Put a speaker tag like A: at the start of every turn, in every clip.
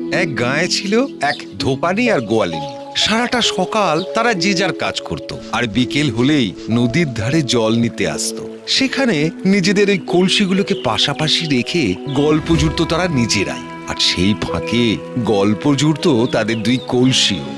A: এক গাঁয়ে ছিল এক ধোপানি আর গোয়ালিনী। সারাটা সকাল তারা যে যার কাজ করত, আর বিকেল হলেই নদীর ধারে জল নিতে আসতো। সেখানে নিজেদের এই কলসিগুলোকে পাশাপাশি রেখে গল্প জুড়ত তারা নিজেরাই, আর সেই ফাঁকে গল্প জুড়ত তাদের দুই কলসিও।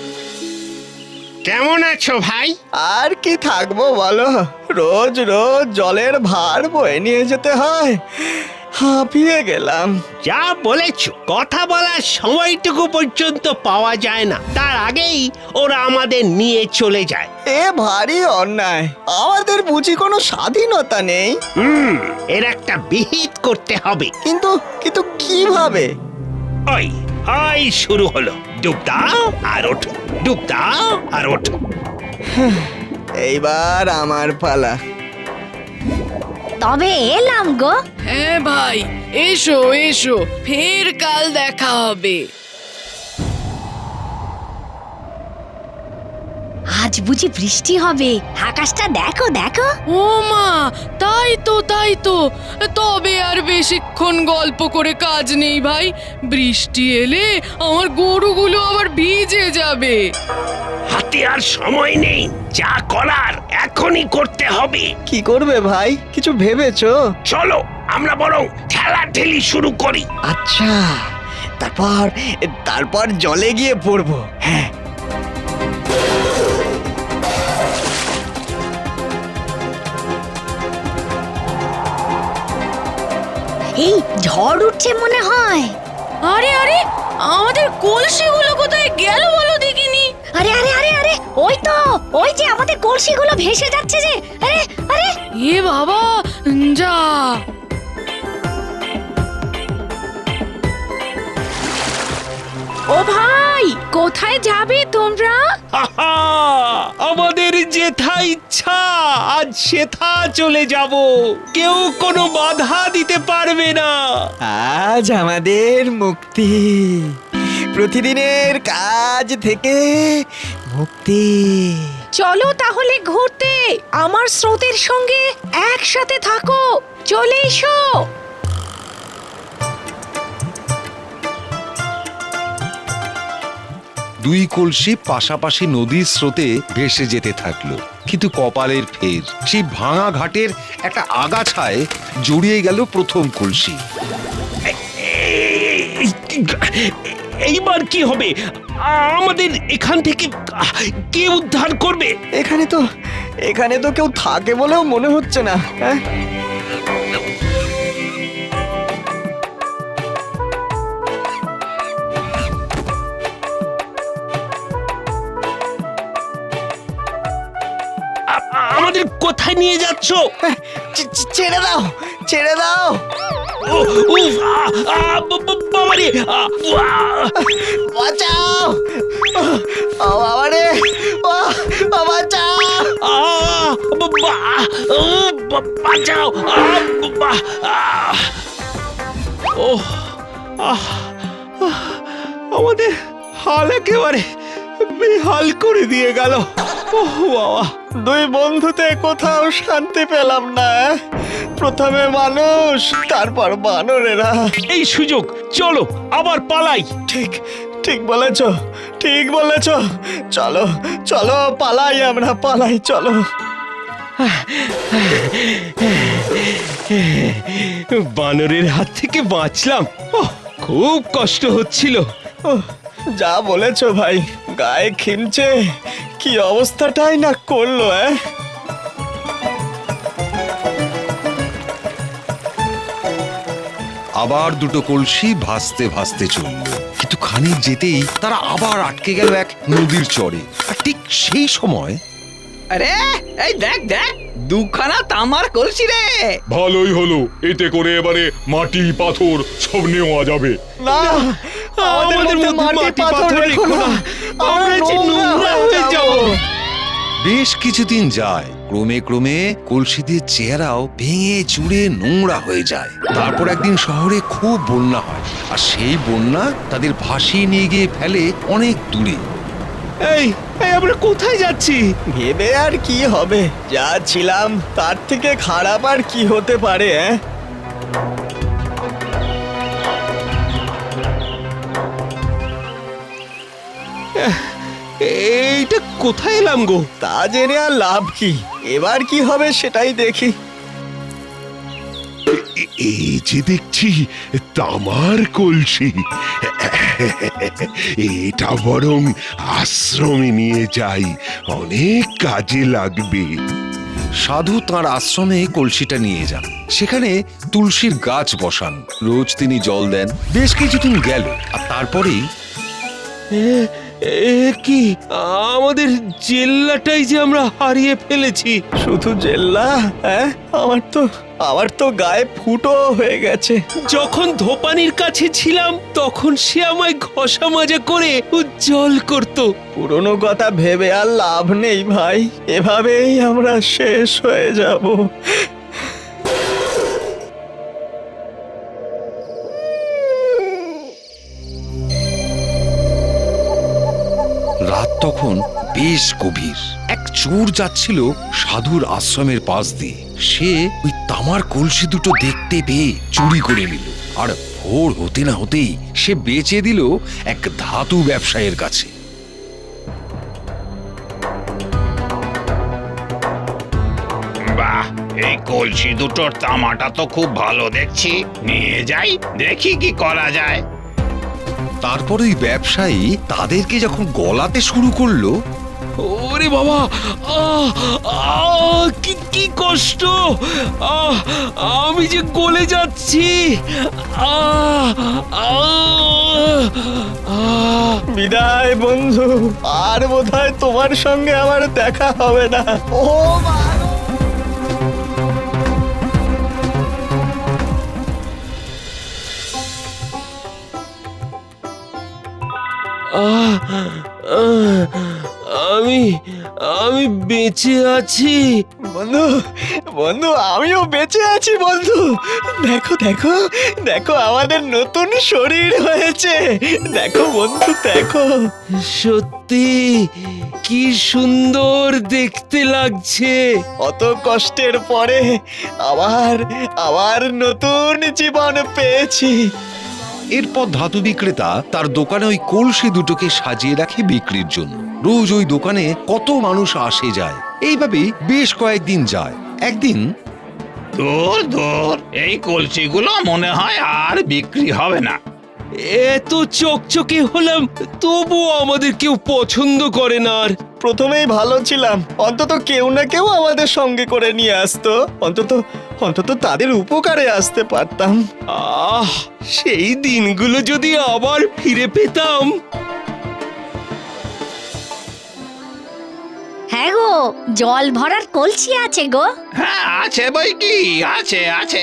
B: কেমন আছো ভাই?
C: আর কি থাকবো বলো, রোজ রোজ জলের ভার বয়ে নিয়ে যেতে হয়, হাঁপিয়ে গেলাম।
B: যা বলেছো, কথা বলার সময়টুকু পর্যন্ত পাওয়া যায় না, তার আগেই ওরা আমাদের নিয়ে চলে যায়।
C: এ ভারী অন্যায়, আমাদের বুঝি কোনো স্বাধীনতা নেই?
B: এর একটা বিহিত করতে হবে।
C: কিন্তু কিন্তু কিভাবে?
B: ওই ওই শুরু হলো, ডুব দাও আর ওঠো, ডুব দাও আর ওঠো।
C: এইবার আমার পালা।
D: তবে এলাম গো।
E: হ্যাঁ ভাই, এসো এসো, ফের কাল দেখা হবে।
D: আজ বুঝি বৃষ্টি হবে, আকাশটা দেখো দেখো।
E: ও মা, তাই তো তাই তো। তবে আর বেশিক্ষণ গল্প করে কাজ নেই ভাই, বৃষ্টি এলে আমার গরুগুলো আবার ভিজে যাবে।
B: হাতে আর সময় নেই, যা করার এখনই করতে হবে।
C: কি করবে ভাই, কিছু ভেবেছো?
B: চলো আমরা বরং ঠেলাঠেলি শুরু করি।
C: আচ্ছা, তারপর তারপর জলে গিয়ে পড়বো। হ্যাঁ,
D: এই ঝড় উঠছে মনে হয়।
E: আরে আরে, আমাদের কলসিগুলো কোথায় গেল বলো দেখিনি।
D: আরে আরে আরে আরে, ওই যে আমাদের কলসিগুলো ভেসে যাচ্ছে যে। আরে আরে,
E: এ বাবা, যা। ও ভাই, কোথায় যাবে তোমরা?
B: আহা! আমাদের যেথা ইচ্ছা আজ সেথা চলে যাব, কেউ কোনো বাধা দিতে পারবে না।
C: আজ আমাদের মুক্তি, প্রতিদিনের কাজ থেকে মুক্তি।
E: চলো তাহলে ঘুরতে, আমার স্রোতের সঙ্গে একসাথে থাকো, চলে এসো।
A: দুই কলসি পাশাপাশি নদীর স্রোতে ভেসে যেতে থাকলো, কিন্তু কপালের ফের সেই ভাঙা ঘাটের একটা আগাছায় জড়িয়ে গেল প্রথম কলসি।
B: এইবার কি হবে? আমাদের এখান থেকে কে উদ্ধার করবে?
C: এখানে তো কেউ থাকে বলেও মনে হচ্ছে না। হ্যাঁ,
B: আমাদের কোথায় নিয়ে যাচ্ছ?
C: ছেড়ে দাও, ছেড়ে দাও।
B: বাবারে,
C: বাঁচাও, ও বাবারে, বাঁচাও।
B: বাঁচাও। আমাদের হাল একেবারে বেহাল করে দিয়ে গেল। বাবা,
C: দুই বন্ধুতে কোথাও শান্তি পেলাম না। প্রথমে মানুষ, তারপর বানরেরা।
B: এই সুযোগ, চলো আবার পালাই।
C: ঠিক ঠিক বলেছ, ঠিক বলেছ। চলো চলো, পালাই, আমরা পালাই, চলো।
B: বানরের হাত থেকে বাঁচলাম। খুব কষ্ট হচ্ছিল।
C: যা বলেছ ভাই, গায়ে খিমচে কি অবস্থাটাই না করলো।
A: আবার দুটো কলসি ভাসতে ভাসতে চলল, কিন্তু খানিক যেতেই তারা আবার আটকে গেল এক নদীর চরে। আর ঠিক সেই সময়
F: আরে এই দেখ দেখ, দুখানা তামার কলসি রে।
G: ভালোই হলো, এতে করে এবারে মাটি পাথর সব নেওয়া যাবে।
C: না, আমাদের মধ্যে মাটি পাথর রেখো না, আমরা যে নোংরা হয়ে যাব।
A: বেশ কিছুদিন যায়, ক্রমে ক্রমে কলসিদের চেহারাও ভেঙে চুরে নোংরা হয়ে যায়। তারপর একদিন শহরে খুব বন্যা হয়, আর সেই বন্যা তাদের ভাসিয়ে নিয়ে গিয়ে ফেলে অনেক দূরে।
B: এই আমরা কোথায় যাচ্ছি?
C: ভেবে আর কি হবে, যা ছিলাম তার থেকে খারাপ আর কি হতে পারে।
B: এইটা কোথায় এলাম গো?
C: তা জেনে আর লাভ কি, এবার কি হবে সেটাই দেখি।
H: এই যে দেখছি তামার কলসি, এটা বরং আশ্রমে নিয়ে যাই, অনেক কাজে লাগবে।
A: সাধু তার আশ্রমে কলসিটা নিয়ে যান। সেখানে তুলসীর গাছ বসান, রোজ তিনি জল দেন। বেশ কিছুদিন গেল, আর তারপরেই
B: কি আমাদের জেল্লাটাই যে আমরা হারিয়ে ফেলেছি।
C: শুধু জেল্লা? হ্যাঁ, আমার তো গায়ে ফুটো হয়ে গেছে।
B: যখন ধোপানির কাছে ছিলাম তখন সে আমায় ঘষা মাজা করে উজ্জ্বল করত।
C: পুরনো কথা ভেবে আর লাভ নেই ভাই, এভাবেই আমরা শেষ হয়ে যাব।
A: রাত তখন বেশ গভীর। এক চোর যাচ্ছিল সাধুর আশ্রমের পাশ দিয়ে। সে ওই তামার কলসি দুটো দেখতে পেয়ে চুরি করে নিল, আর ভোর হতে না হতেই সে বেচে দিল এক ধাতু ব্যবসায়ীর কাছে।
I: বাহ, এই কলসি দুটোর তামাটা তো খুব ভালো দেখছি, নিয়ে যাই, দেখি কি করা যায়।
A: তারপর ওই ব্যবসায়ী তাদেরকে যখন গলাতে শুরু করলো,
B: ওরে বাবা, আহ আহ কি কি কষ্ট! আমি যে গলে যাচ্ছি। আহ আহ আহ
C: বিদায় বন্ধু, আর বোধহয় তোমার সঙ্গে আমার দেখা হবে না। ও মা!
B: আহ, আহ, আমি আমি বেঁচে আছি।
C: বন্ধু, বন্ধু, আমিও বেঁচে আছি বন্ধু। দেখো দেখো দেখো, আমাদের নতুন শরীর হয়েছে। দেখো বন্ধু, দেখো।
B: সত্যি কি সুন্দর দেখতে লাগছে।
C: অত কষ্টের পরে আবার নতুন জীবন পেয়েছি।
A: এরপর ধাতু বিক্রেতা তার দোকানে ওই কলসি দুটোকে সাজিয়ে রাখে বিক্রির জন্য। রোজ ওই দোকানে কত মানুষ আসে যায়। এইভাবেই বেশ কয়েকদিন যায়। একদিন
I: দূর দূর, এই কলসিগুলো মনে হয় আর বিক্রি হবে না।
B: এত চকচকে হলাম তবুও আমাদের কেউ পছন্দ করে না। আর
C: প্রথমেই ভালো ছিলাম, অন্তত কেউ না কেউ আমাদের সঙ্গে করে নিয়ে আসতো। অন্তত তাদের উপকারে আসতে পারতাম।
B: আহ, সেই দিনগুলো যদি আবার ফিরে পেতাম।
D: হ্যাঁ গো, জল ভরার কলসি আছে গো।
I: হ্যাঁ, আছে বই কি, আছে আছে।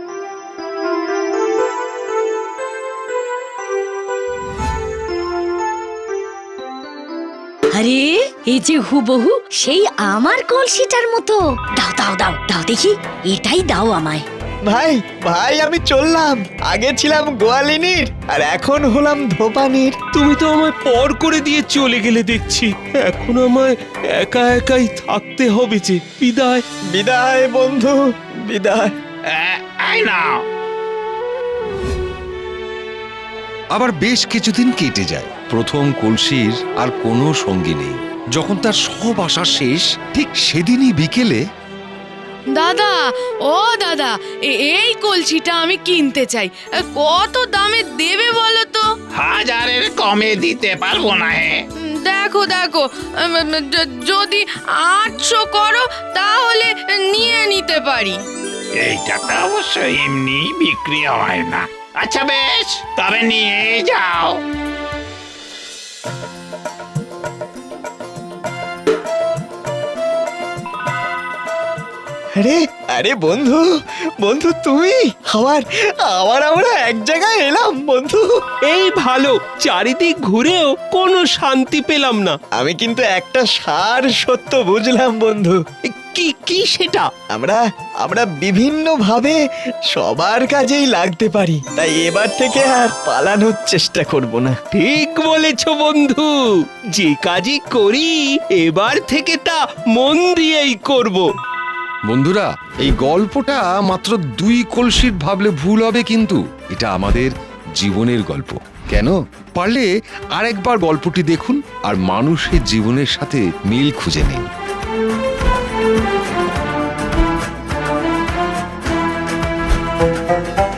D: আরে, এই যে হুবহু সেই আমার কলসিটার মতো। দাও দাও দাও দাও দেখি, এটাই দাও আমায়।
C: ভাই আমি চললাম। আগে ছিলাম গোয়ালিনীর, আর এখন হলাম ধোপানির।
B: তুমি তো আমায় পর করে দিয়ে চলে গেলে দেখছি। এখন আমায় একা একাই থাকতে হবে যে। বিদায়।
C: বিদায় বন্ধু, বিদায়।
I: এই নাও।
A: আবার বেশ কিছুদিন কেটে যায়। প্রথম কলসির আর কোনো সঙ্গী নেই। যখন তার সব আশা শেষ, ঠিক সেদিনই বিকেলে
E: দাদা, ও দাদা, এই কলসিটা আমি কিনতে চাই। কত দামে দেবে বলো তো?
I: 1000-এর কমে দিতে পারবো না। হে,
E: দেখো দেখো, যদি 800 করো তাহলে নিয়ে নিতে পারি।
I: এইটা তো অবশ্য এমনি বিক্রি হয় না। আচ্ছা বেশ, তবে নিয়ে যাও।
C: আরে বন্ধু, তুমি আমরা এক জায়গায় এলাম বন্ধু।
B: এই ভালো, চারিদিক ঘুরেও কোনো শান্তি পেলাম না।
C: আমি কিন্তু একটা সার সত্য বুঝলাম বন্ধু।
B: কি কি সেটা?
C: আমরা বিভিন্ন ভাবে সবার কাজেই লাগতে পারি, তাই এবার থেকে আর পালানোর চেষ্টা করব না।
B: ঠিক বলেছ বন্ধু, যে কাজই করি এবার থেকে তা মন দিয়েই করব।
A: বন্ধুরা, এই গল্পটা মাত্র 2 কলসির ভাবলে ভুল হবে, কিন্তু এটা আমাদের জীবনের গল্প। কেন? পারলে আরেকবার গল্পটি দেখুন আর মানুষের জীবনের সাথে মিল খুঁজে নিন।